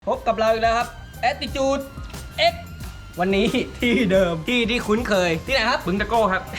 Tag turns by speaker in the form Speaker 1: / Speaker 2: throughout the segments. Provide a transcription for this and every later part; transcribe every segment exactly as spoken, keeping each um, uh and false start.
Speaker 1: พบกับเราอีกแล้วครับ Attitude X วันนี้ที่เดิมที่ที่คุ้นเคยที่ไหนครับบึงตะโก้ครับ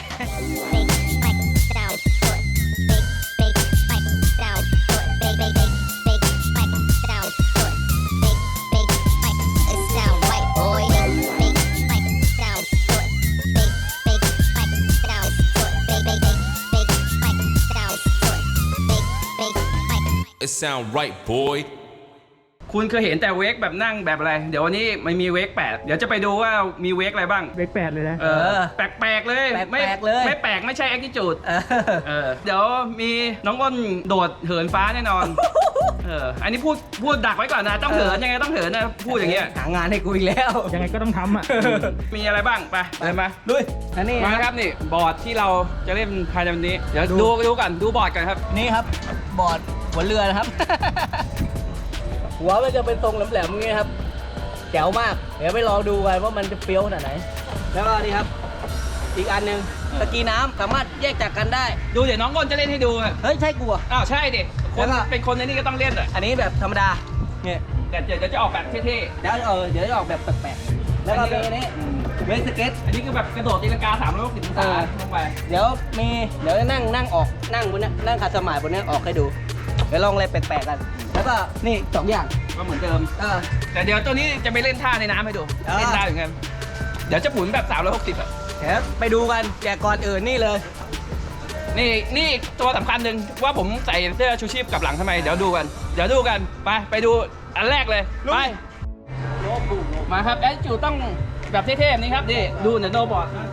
Speaker 2: It sound right, boy.
Speaker 3: คุณเคยเห็นแต่เวกแบบนั่งแบบอะไร เดี๋ยววันนี้มันมีเวกแปดเดี๋ยวจะไปดูว่ามีเวกอะไรบ้าง
Speaker 4: เวกแปดเลยนะ
Speaker 3: เออแปลกๆเลย
Speaker 1: แปลกๆเลย
Speaker 3: ไม่แปลกไม่ใช่แอคทิจูด
Speaker 1: เออ
Speaker 3: เออเดี๋ยวมีน้องอ้นโดดเหินฟ้าแน่นอนเอออันนี้พูดพูดดักไว้ก่อนนะต้องเหินยังไงต้องเหินนะพูดอย่างเงี้ย
Speaker 1: หางานให้กูอีกแล้ว
Speaker 4: ยังไงก็ต้องทำอ่ะ
Speaker 3: มีอะไรบ้างไปเลยมา
Speaker 1: ลุยอันนี้
Speaker 3: มาครับนี่บอร์ดที่เราจะเล่นภายในวันนี้เดี๋ยวดูดูก่อนดูบอร์ดกันครับ
Speaker 1: นี่ครับบอร์ดหัวเรือนะครับ หัวมันจะเป็นทรงแหลมๆอย่างเงี้ยครับแจ๋วมากเดี๋ยวไปลองดูกันว่ามันจะเฟี้ยวขนาดไหนแล้วก็นี่ครับอีกอันหนึ่งตะกี้น้ำสามารถแยกจากกันได้
Speaker 3: ดูเดี๋ยวน้องอ้นจะเล่นให้ดูอะ
Speaker 1: เฮ้ยใช่กูอ่ะ
Speaker 3: อ้าวใช่ดิคน
Speaker 1: แล้วก็
Speaker 3: เป็นคนในนี้ก็ต้องเล่นอ่ะ
Speaker 1: อันนี้แบบธรรมดาเนี่ย
Speaker 3: แต่เดี๋ยวจะออกแบบเท่
Speaker 1: เดี๋ยวเออเดี๋ยวจะออกแบบแปลกๆแล้วก็มีอันนี้เวสเก็ต
Speaker 3: ๆอันนี้คือแบบกระโดดตีลังกาสามร้อยหกสิบองศา
Speaker 1: เออ
Speaker 3: ลงไป
Speaker 1: เดี๋ยวมีเดี๋ยวนั่งนั่งออกนั่งบนนี้นั่งขัดสมาธิบนนี้ออกให้ดูเดี๋ยวลองอะไรแปลกๆกัน แล้วก็นี่สองอย่าง
Speaker 3: ก็เหมือนเดิม
Speaker 1: เออ
Speaker 3: แต่เดี๋ยวตัวนี้จะไปเล่นท่าในน้ำให้ดู
Speaker 1: อ่า
Speaker 3: เล่นได้เหมือนกันเดี๋ยวจะหมุนแบบสามร้อยหกสิบอ่ะ
Speaker 1: เดี๋ยวไปดูกันแต่ก่อนอื่นนี่เลย
Speaker 3: นี่นี่ตัวสำคัญหนึ่งว่าผมใส่เสื้อชูชีพกลับหลังทำไมเดี๋ยวดูกันเดี๋ยวดูกันไปไปดูอันแรกเลยไปมาครับแอดจูต้องแบบเท่ๆแบบนี้ครับนี่ดูเดี๋ยวโนบอร์ดนะ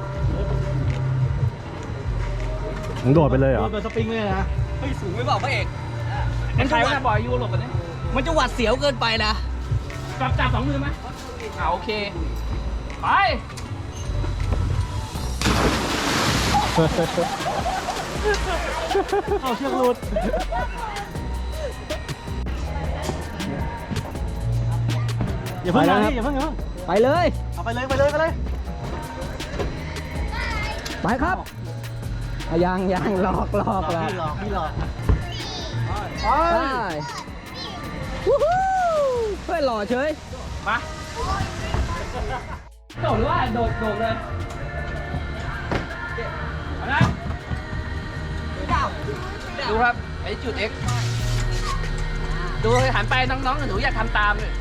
Speaker 4: มึงโดดไปเลยเหรอ
Speaker 1: โดนสปริงเลยนะเฮ้ยสูงไม่บอกพระเอก
Speaker 3: มันใครว่าบอยยูโรปกันเนี่ย
Speaker 1: มันจะหวัดเสียวเกินไปนะ
Speaker 3: จับจับสองมือไหมอ่าโอเคไป
Speaker 4: เอาเชือกหลุดอย่าเพิ่งนะพี่อย่าเพิ่งอย่าเพิ่ง
Speaker 1: ไปเลย
Speaker 4: เอาไปเลยไปเลยไปเลย
Speaker 1: ไปครับอ่ะยังยังหลอกหลอกละ
Speaker 4: พี่หลอกพี่หลอก
Speaker 1: ไปวู้ฮู้เฮ้ยหล่อเฉย
Speaker 3: มาโดดหรือว่าโดดโดดเลยเอานะดูครับไอ้จุด X ดูเลยหันไปน้องๆหนูอยากทำตามเลย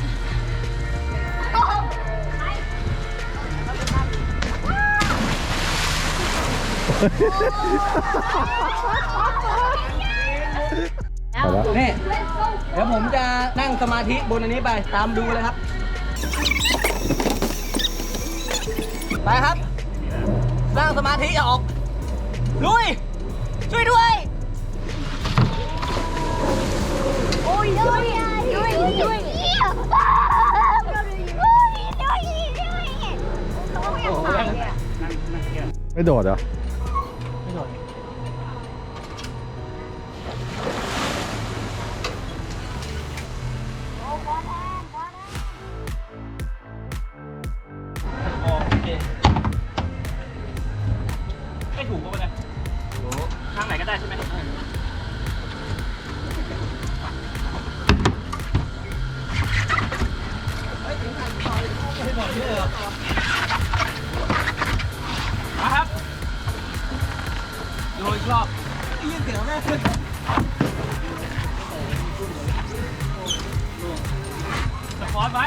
Speaker 1: นี่เดี๋ยวผมจะนั่งสมาธิบนอันนี้ไปตามดูเลยครับ ไปครับ นั่งสมาธิออกลุยช่วยด้วย
Speaker 5: Ôi ôi ôi ôi ôi. Không có phải.
Speaker 4: ไม่โดดเหรอ
Speaker 3: โอเคไม่ถูกป่ะเนี่ยถูกข้างไหนก็ได้ใช่ไหมมาครับดูอีกรอบ
Speaker 1: ยินเสียงแม่
Speaker 3: สปอร์ตไว้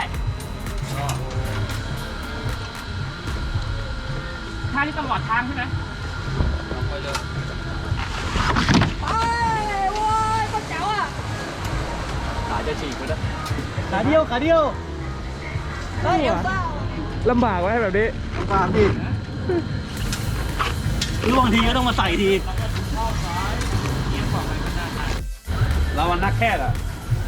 Speaker 3: ท่านี้ตลอดทางใช่ไหมไปเลย
Speaker 1: ไปโว้ยคนแจ๋วอ่ะ
Speaker 3: ขาจะฉีกไปแล้ว
Speaker 4: ขาเดียวขาเดียว
Speaker 1: เฮ้ยเอลซ่า
Speaker 4: ลำบากไว้แบบนี้ลำบากดิล่วงทีก็ต้องมาใส่ที
Speaker 3: เราวันนักแค่อะ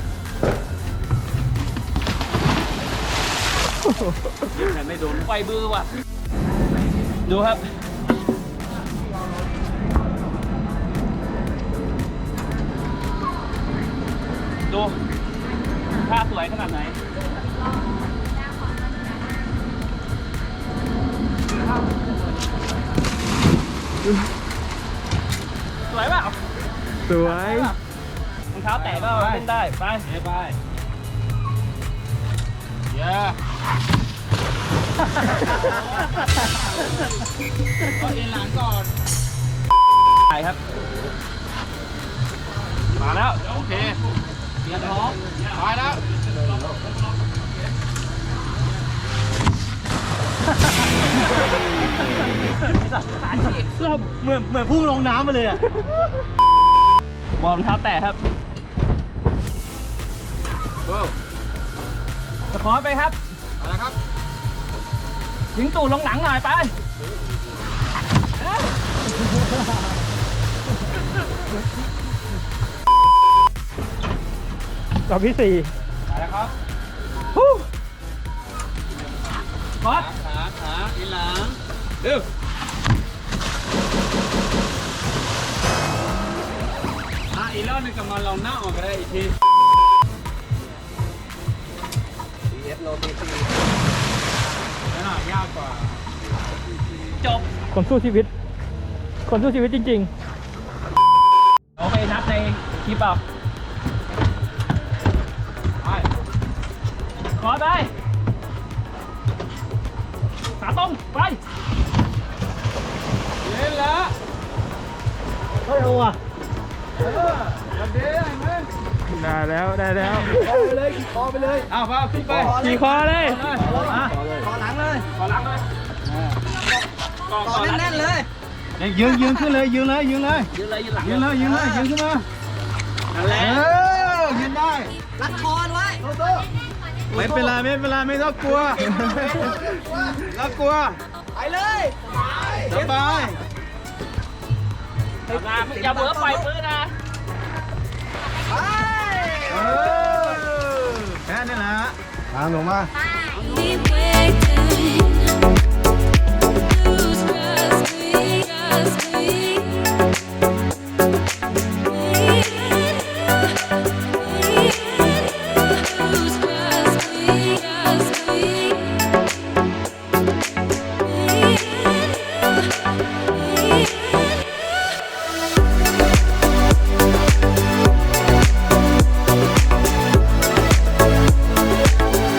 Speaker 3: แต่ไม่โดนไฟบื้อว่ะ ดูครับ ดูท่าสวยขนาดไหน สวยเปล่า
Speaker 4: สวย
Speaker 3: รองเท้าแตะก็เล่นได้ ไปไปก็เอ็นหลังก่อนไปครับ มาแล้ว โอเคเตรียมพร้อมไปแล้ว
Speaker 4: เราเหมือนเหมือนพุ่งลงน้ำไปเลยอ่ะ
Speaker 3: วอร์มเท้าแตะครับสปอร์ตไปครับอะไรครับยิงตูดลงหลังหน่อยไป
Speaker 4: รอบที่สี่
Speaker 3: ไปแล้วครับฮู้สปอร์ต
Speaker 4: ขาขาอีหลัง
Speaker 3: เร็ว
Speaker 4: อ่ะอีกรอบหนึงกับมันลองหน้าออกก็ได้อีกที
Speaker 1: ดี เอฟ โลตีซี
Speaker 4: แล้วน่ะยากกว่า
Speaker 3: จบ
Speaker 6: คนสู้ชีวิต คนสู้ชีวิตจริง
Speaker 3: เราไปนับในคลิปเอาไปขอไปขาตรงไป
Speaker 4: เล่นแล้วเฮ้ยโอ้อะวันเดียวไหม
Speaker 6: ๆ ได้แล้วได้แล้ว
Speaker 4: ไปเลยขี่คอไปเลยอ้าวพาขึ้นไป
Speaker 6: ขี่คอเลย
Speaker 4: อ่ะ
Speaker 1: ขอหลังเลย
Speaker 3: ขอหลังเลยกอง
Speaker 1: ต่อแน่นๆเลย
Speaker 4: ยืนยืนขึ้นเลยยืนเลยยืนเลย
Speaker 3: ยืนเลยยืนหลัง
Speaker 4: ยืนเลยยืนเลยยืนขึ้นมา
Speaker 3: นั่นแหละ
Speaker 4: เออยืนได้
Speaker 1: รัดคอไว้
Speaker 4: ไม่เป็นไรไม่เป็นไรไม่ต้องกลัวแล้วกลัว
Speaker 1: ไปเลย
Speaker 4: สบาย
Speaker 3: อย่าเบื่อปล่อยปืนนะ
Speaker 1: ไป
Speaker 4: เออแค่นี้แหละทางลงมา
Speaker 5: We waiting. Lose trust me, trust me. Lose trust me, trust me.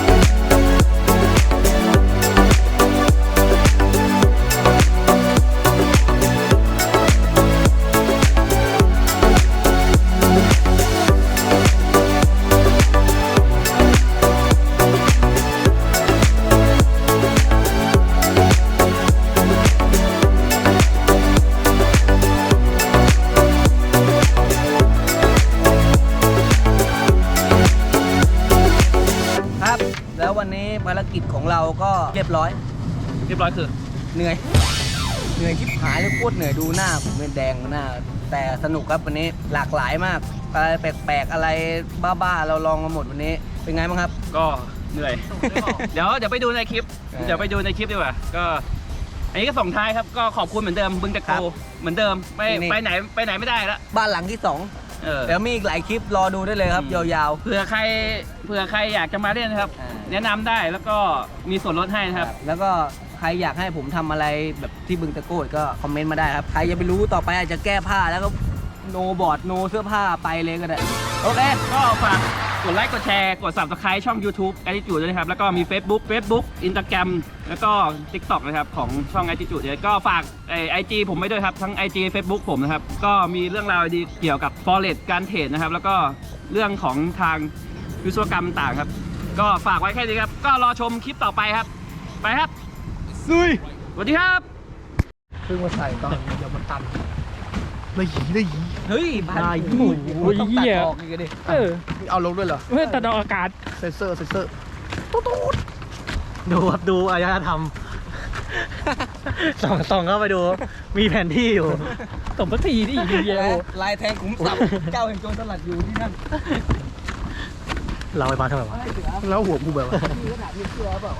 Speaker 1: ครับ แล้ววันนี้ภารกิจของเราก็เรียบร้อย
Speaker 3: เรียบร้อยคือ
Speaker 1: เหนื่อย เหนื่อยชิบหายเลยโคตรเหนื่อยดูหน้าผมเป็นแดงหน้า แต่สนุกครับวันนี้หลากหลายมากอะไรแปลกๆอะไรบ้าๆเราลองมาหมดวันนี้เป็นไงบ้างครับ
Speaker 3: ก็เหนื่อย เดี๋ยวเดี๋ยวไปดูในคลิป
Speaker 1: เออ
Speaker 3: เดี๋ยวไปดูในคลิปดีกว่า ก็ อันนี้ก็ส่งท้ายครับ ก็ขอบคุณเหมือนเดิม บึงตะ
Speaker 1: ครั
Speaker 3: โก
Speaker 1: บ
Speaker 3: เหมือนเดิม ไม่
Speaker 1: นี่
Speaker 3: ไปไหนไปไหนไม่ได้แล้ว
Speaker 1: บ้านหลังที่สอง
Speaker 3: เออ
Speaker 1: เดี๋ยวมีอีกหลายคลิปรอดูได้เลยครับ
Speaker 3: อืม
Speaker 1: ยาว
Speaker 3: เผื่อใครเผื่อใครอยากจะมาเล่นนะครับ
Speaker 1: อ่า
Speaker 3: แนะนำได้แล้วก็มีส่วนลดให้
Speaker 1: ๆ
Speaker 3: นะครับ
Speaker 1: แล้วก็ใครอยากให้ผมทำอะไรแบบที่บึงตะโกดก็คอมเมนต์มาได้ครับ ใครจะไปรู้ต่อไปอาจจะแก้ผ้าแล้วก็โนบอร์ดโนเสื้อผ้าไปเลยก็ได้ โอเค
Speaker 3: ก็ฝากกดไลค์กดแชร์กด Subscribe ช่อง YouTube Attitude ด้วยนะครับ แล้วก็มี Facebook Facebook Instagram แล้วก็ TikTok นะครับของช่อง Attitude ด้วยก็ฝากไอจีผมไว้ด้วยครับ ทั้ง ไอ จี Facebook ผมนะครับ ก็มีเรื่องราวดีเกี่ยวกับ Forex การเทรดนะครับ แล้วก็เรื่องของทางวิศวกรรมต่างครับ ก็ฝากไว้แค่นี้ครับ ก็รอชมคลิปต่อไปครับ ไปครับซุยสวัสดีครับ
Speaker 1: เพิ่งมาใส่ตอนเดี๋ยวมันตัน
Speaker 4: ได้หีได้หี
Speaker 1: เฮ้ยบ้าน
Speaker 6: ได้
Speaker 1: โอ้โห
Speaker 6: โอ้ย
Speaker 1: ต้องตัด
Speaker 6: เหี้ย
Speaker 1: ออกอีกอะดิ
Speaker 6: เออ
Speaker 4: เอาลงด้วยเหรอ
Speaker 6: เพื่อตัดออกอากาศ
Speaker 4: เซนเซอร์เซนเซอร์ดูครับดูอารยธรรมส่องส่องเข้าไปดู มีแผนที่อยู่
Speaker 6: ตบสักทีดิเดียว
Speaker 1: ลายแทงขุมทรัพย์เจ้าแห่งโจรสลัดอยู่ที่นั่น
Speaker 4: เราไปมาทำไมวะแล้วหัวกูแบบว่า
Speaker 1: มีขนาดมีเสื้อเปล่า